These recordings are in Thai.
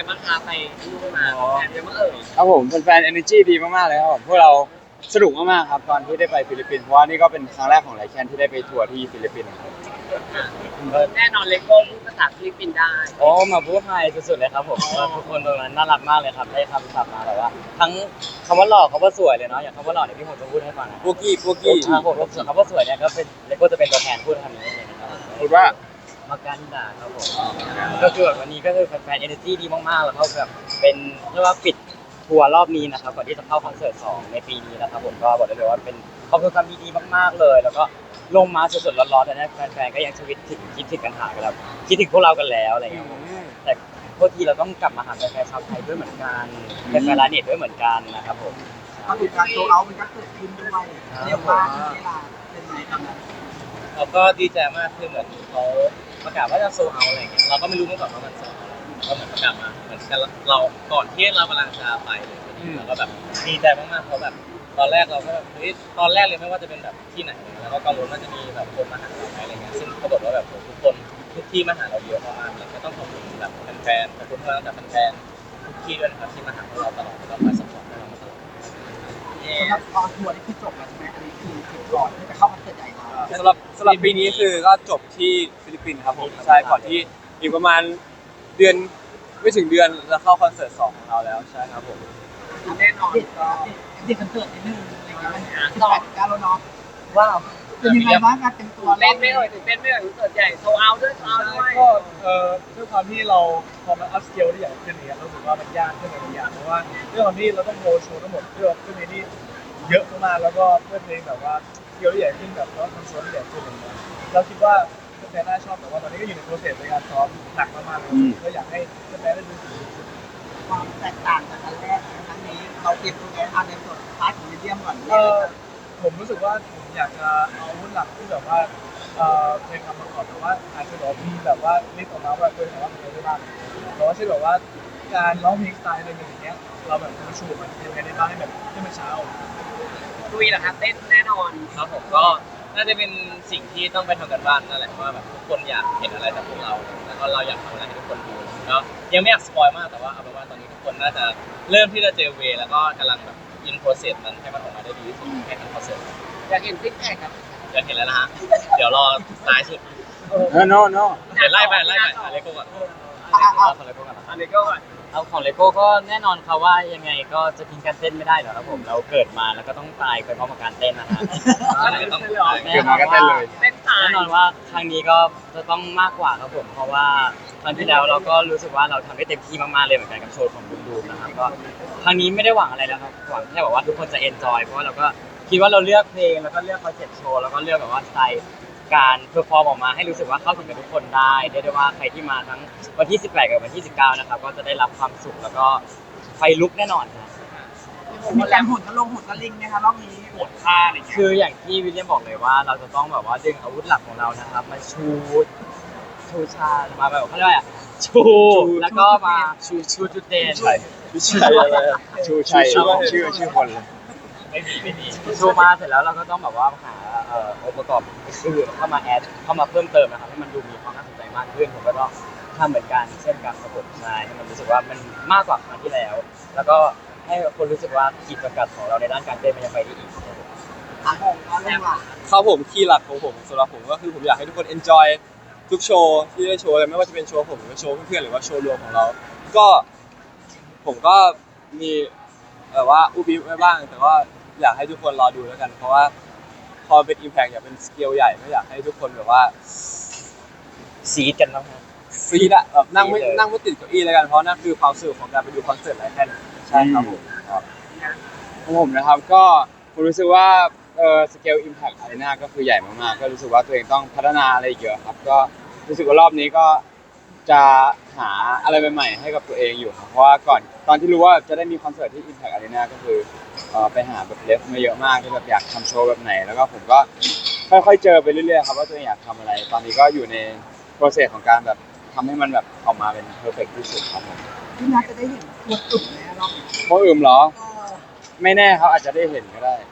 กันบ้างคะไปนู่นมาแฟนเยอะมากเอ่ยครับผมแฟนๆ energy ดีมากๆเลยครับผมพวกเราสนุกมากๆครับตอนที่ได้ไปฟิลิปปินส์เพราะว่านี่ก็เป็นครั้งแรกของไลแคนที่ได้ไปทัวร์ที่ฟิลิปปินส์ครับแน่นอนเลโก้พูดภาษาฟิลิปปินส์ได้โอ้มาพูดไทยสุดๆเลยครับผมว่าทุกคนตรงนั้นน่ารักมากเลยครับได้คำศัพท์มาแบบว่าทั้งคำว่าหล่อคำว่าสวยเลยเนาะอย่างคำว่าหล่อเนี่ยพี่ผมจะพูดให้ฟังนะพวกกี้พวกกี้ครับผมส่วนคำว่าสวยเนี่ยก็เป็นเลโก้จะเป็นตัวแทนพูดคำนี้เลยนะครับพูดว่ามากันดาครับผมก็คือแบบวันนี้ก็คือแฟนๆ energy ดีมากๆแล้วเขาแบบเป็นเรียกว่าปิดทัวร์รอบนี้นะครับก่อนที่จะเข้าคอนเสิร์ต2ในปีนี้นะครับผมก็บอกได้เลยว่าเป็นความทรงจำดีๆมากๆเลยแล้วก็ลงมาสดๆร้อนๆแต่เนี่ยแฟนๆก็ยังชีวิตถึงคิดถึงกันหากันแล้วคิดถึงพวกเรากันแล้วอะไรอย่างเงี้ยแต่พวกทีเราต้องกลับมาหาแฟนๆชาวไทยด้วยเหมือนกันแฟนๆร้านเน็ตด้วยเหมือนกันนะครับผมปรากฏการณ์โซเอามันก็เกิดขึ้นด้วยเรียกว่าที่เวลาเป็นไงครับเราก็ดีใจมากคือเหมือนเขาประกาศว่าจะโซเอาอะไรเงี้ยเราก็ไม่รู้มาก่อนว่ามันโซเอาก็เหมือนประกาศมาเหมือนกันเราก่อนที่เรากำลังจะไปเลยเราก็แบบดีใจมากๆเพราะแบบตอนแรกเราก็แบบเฮ้ยตอนแรกเลยไม่ว่าจะเป็นแบบที่ไหนแล้วก็กังวลว่าจะมีแบบคนมาหาเราไหมอะไรเงี้ยซึ่งปรากฏว่าแบบทุกคนทุกที่มาหาเราเยอะมากๆเลยก็ต้องขอบคุณแบบแฟนๆขอบคุณพวกเราจากแฟนๆทุกที่ด้วยนะครับที่มาหาเราตลอดแล้วก็คอยสปอร์ตเราตลอดสำหรับตอนทัวร์นี่คือจบแล้วใช่ไหมอันนี้คือก่อนที่จะเข้าคอนเสิร์ตใหญ่เราสำหรับปีนี้คือก็จบที่ฟิลิปปินส์ครับผมใช่ก่อนที่อีกประมาณเดือนไม่ถึงเดือนจะเข้าคอนเสิร์ต2ของเราแล้วใช่ครับผมแน่นอนเด็กเด็กคอนเสิร์ตนิดนึงอะไรเงี้ยมัน18 19แล้วเนาะว้าวเป็นยังไงบ้างการเตรียมตัวเต้นไม่เอ่ยตื่นเต้นไม่เอ่ยคอนเสิร์ตใหญ่โซเอาด้วยโซเอาด้วยก็ด้วยความที่เราพอมันอัพสเกลได้ใหญ่ขึ้นเนี่ยเรารู้สึกว่ามันยากขึ้นหลายอย่างเพราะว่าด้วยความที่เราต้องโฮโชว์ทั้งหมดเพื่อเพลงที่เยอะมากแล้วก็เพื่อเพลงแบบว่าสเกลที่ใหญ่ขึ้นแบบแล้วทำโชว์ที่ใหญ่ขึ้นอะไรเงี้ยเราคิดว่าแฟนๆน่าชอบแต่ว่าตอนนี้ก็อยู่ในโปรเซสในการซ้อมหนักมากๆเลยก็อยากให้แฟนๆได้ดูสิ่งที่ความแตกต่างจากครั้งแรกครั้งนี้เราเตรียมตัวแทนในส่วนพาร์ทของวิลเลียมก่อนผมรู้สึกว่าผมอยากจะเอาอาวุธหลักที่แบบว่าเพลงคำประกอบแต่ว่าอาจจะแบบมีแบบว่าลิสต์ออกมาว่าเคยแต่ว่ามันได้บ้างแต่ว่าเช่นแบบว่าการร้องเพลงสไตล์อะไรอย่างเงี้ยเราแบบจะมาชูมันยังไงได้บ้างให้แบบให้มันเช้าลุยเหรอครับเต้นแน่นอนครับผมก็น่าจะเป็นสิ่งที่ต้องไปทำกันบ้านนั่นแหละว่าแบบทุกคนอยากเห็นอะไรจากพวกเราแล้วก็เราอยากทำอะไรให้ทุกคนดูก็ยังไม่อยากสปอยมากแต่ว่าเอาเป็นว่าตอนนี้ทุกคนน่าจะเริ่มที่จะเจอเวแล้วก็กำลังแบบอินโปรเซสนั้นให้มันออกมาได้ดีที่สุดให้ทันคอนเสิร์ตอยากเห็นซิกแพคครับอยากเห็นแล้วนะฮะเดี๋ยวรอท้ายสุด no เดี๋ยวไล่ไปเลโก้ก่อนเลโก้ก่อนเลโก้ก่อนเอาของเลโก้ก็แน่นอนครับว่ายังไงก็จะทิ้งการเต้นไม่ได้หรอกครับผมเราเกิดมาแล้วก็ต้องตายไปพร้อมกับการเต้นนะฮะเกิดมาก็เต้นเลยแน่นอนว่าครั้งนี้ก็จะต้องมากกว่าครับผมเพราะว่าครั้งที่แล้วเราก็รู้สึกว่าเราทำได้เต็มที่มากๆเลยเหมือนกันกับโชว์ของดูมนะครับก็ครั้งนี้ไม่ได้หวังอะไรแล้วครับหวังแค่แบบว่าทุกคนจะเอนจอยเพราะว่าเราก็คิดว่าเราเลือกเพลงแล้วก็เลือกคอนเซ็ปต์โชว์แล้วก็เลือกแบบว่าสไตล์การเพอร์ฟอร์มออกมาให้รู้สึกว่าเข้าถึงกับทุกคนได้เรียกได้ว่าใครที่มาทั้งวันที่18กับวันที่19นะครับก็จะได้รับความสุขแล้วก็ไฟลุกแน่นอนนะมีการหุ่นก็ลงหุ่นก็ลิงนะคะรอบนี้ปวดท่าอะไรเงี้ยคืออย่างที่วิลเลียมบอกเลยว่าเราจะต้องแบบว่าดึงอาวุธหลักของเรานะครับมาชูชามาแบบเขาเรียกว่าชูแล้วก็มาชูจุดเด่นไม่ใช่อะไรชูชัยชื่อคนเลยไม่มีชูมาเสร็จแล้วเราก็ต้องแบบว่าหาองค์ประกอบอื่นเข้ามาแอดเข้ามาเพิ่มเติมนะครับให้มันดูมีความน่าสนใจมากขึ้นผมก็ต้องทำเหมือนกันเช่นกันระบบใช่ให้มันรู้สึกว่ามันมากกว่าครั้งที่แล้วแล้วก็ให้คนรู้สึกว่าขีดจำกัดของเราในด้านการเต้นมันยังไปได้อีกครับผมคีย์หลักของผมสำหรับผมก็คือผมอยากให้ทุกคน enjoy ทุกโชว์ที่ได้โชว์เลยไม่ว่าจะเป็นโชว์ผมหรือโชว์เพื่อนๆหรือว่าโชว์รวมของเราก็ผมก็มีแบบว่าอุบิไว้บ้างแต่ว่าอยากให้ทุกคนรอดูแล้วกันเพราะว่าพอเป็น impact อยากเป็นสเกลใหญ่ไม่อยากให้ทุกคนแบบว่าซีดกันแล้วฮะซีดอะแบบนั่งไม่ติดเก้าอี้แล้วกันเพราะนั่นคือความสุขของการไปดูคอนเสิร์ตไลฟ์แคนใช่ครับผมของผมนะครับก็ผมรู้สึกว่าสเกล impact arena ก็คือใหญ่มากๆก็รู้สึกว่าตัวเองต้องพัฒนาอะไรเยอะครับก็รู้สึกว่ารอบนี้ก็จะหาอะไรใหม่ๆให้กับตัวเองอยู่ครับเพราะว่าก่อนตอนที่รู้ว่าจะได้มีคอนเสิร์ตที่ Impact Arena ก็คือไปหาแบบเลฟมาเยอะมากที่แบบอยากทำโชว์แบบไหนแล้วก็ผมก็ค่อยๆเจอไปเรื่อยๆครับว่าตัวเองอยากทำอะไร ตอนนี้ก็อยู่ในโปรเซสของการแบบทำให้มันแบบออกมาเป็นเพอร์เฟคที่สุดครับผมที่น่าจะได้เห็นตัวตุ่มในรอบนี้เพราะเหรอไม่แน่เขาอาจจะได้เห็นก็ได้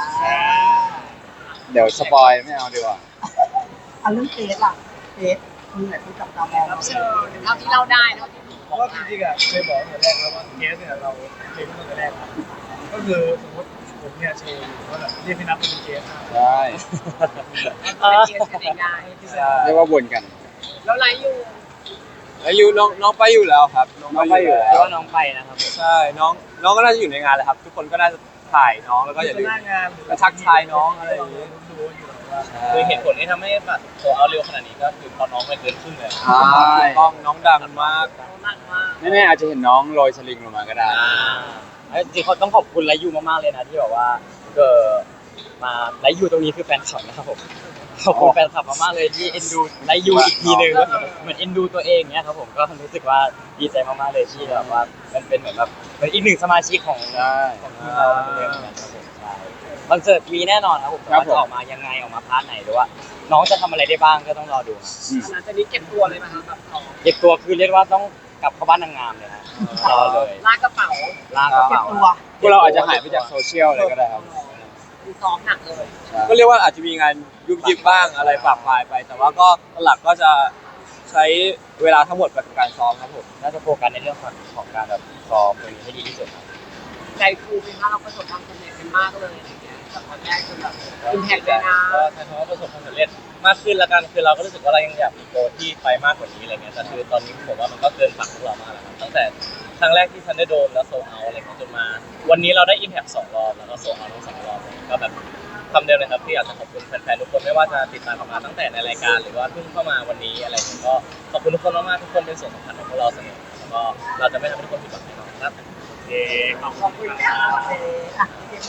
เดี๋ยวสปอยไม่เอาดีกว่าเรื่องเทสล่ะเทสคือไหนผู้จับตามองเท่าที่เราได้เท่าที่เพราะว่าจริงๆอ่ะเคยบอกตั้งแต่แรกแล้วว่าเคสเนี่ยเราเคยพูดตั้งแต่แรกแล้วก็คือสมมติผมเนี่ยโชว์อยู่ว่าแบบเรียกพี่นัทเป็นเคสใช่เป็นเกียรติกันเองได้เรียกว่าวนกันแล้วไลฟ์อยู่แล้วยูน้องไปอยู่แล้วครับน้องไปอยู่แล้คิดวว่าน้องไปนะครับผมใช่น้องก็น่าจะอยู่ในงานแหละครับ ทุกคนก็น่าจะถ่ายน้องแล้วก็อย่าลืมหน้างานแล้วทักทายน้องอะไรอย่างงี้รู้อยู่ว่าคือเหตุผลที่ทำให้บัตรโซเอาเร็วขนาดนี้ก็คือเพราะน้องไปเกินครึ่งเลยใช่ถูกต้องน้องดังมากมากมากแน่ๆอาจจะเห็นน้องโรยสลิงลงมาก็ได้จริงๆเขาต้องขอบคุณไลยูมากๆเลยนะที่แบบว่ามาไลยูตรงนี้คือแฟนคลับนะครับผมขอบคุณแฟนคลับมากๆเลยที่เอ็นดูไลยูอีกทีนึงเหมือนเอ็นดูตัวเองเนี้ยครับผมก็รู้สึกว่าดีใจมากๆเลยที่แบบว่ามันเป็นเหมือนแบบเป็นอีกหนึ่งสมาชิกของใช่ทีมเราเลยเหมือนกันครับผมใช่คอนเสิร์ตมีแน่นอนครับผมแต่ว่าจะออกมายังไงออกมาพาร์ทไหนหรือว่า น้องจะทำอะไรได้บ้างก็ต้องรอดูนะหลังจากนี้เก็บตัวเลยไหมคะแบบของเก็บตัวคือเรียกว่าต้องกลับเข้าบ้านนางงามเลยนะรอเลยลากกระเป๋าลากกระเก็บเป๋าตัวพวกเราอาจจะหายไปจากโซเชียลเลยก็ได้ครับคือซ้อมหนักเลยก็เรียกว่าอาจจะมีงานยุบยิบบ้างอะไรปรับปลายไป แต่ว่าก็หลักก็จะใช้เวลาทั้งหมดไปกับการซ้อมครับผมน่าจะโฟกัสในเรื่องของการแบบซ้อมตรงนี้ให้ดีที่สุดครับใจฟูเป็นว่าเราประสบความสำเร็จกันมากเลยอะไรเงี้ยแต่ตอนแรกคือแบบอิมแพคเลยนะก็ใช้คำว่าประสบความสำเร็จมากขึ้นละกันคือเราก็รู้สึกว่าเรายังอยากมีโกที่ไปมากกว่านี้อะไรเงี้ยแต่คือตอนนี้ผมว่ามันก็เกินฝันพวกเรามากแล้วครับตั้งแต่ครั้งแรกที่ทันได้โดมแล้วโซเอาอะไรเงี้ยจนมา วันนี้เราได้อิมแพค2 รอบแล้วก็โซเอาทั้ง2 รอบก็แบบคำเดียวเลยครับที่อยากจะขอบคุณแฟนๆทุกคนไม่ว่าจะติดตามมาตั้งแต่ในรายการหรือว่าเพิ่งเข้ามาวันนี้อะไรเงี้ยก็ขอบคุณทุกคนมากๆทุกคนเป็นส่วนสำคัญของพวกเราเสมอแล้วก็เราจะไม่ทำให้ทุกคนผิดหวังแน่นอนครับขอบคุณค่ะ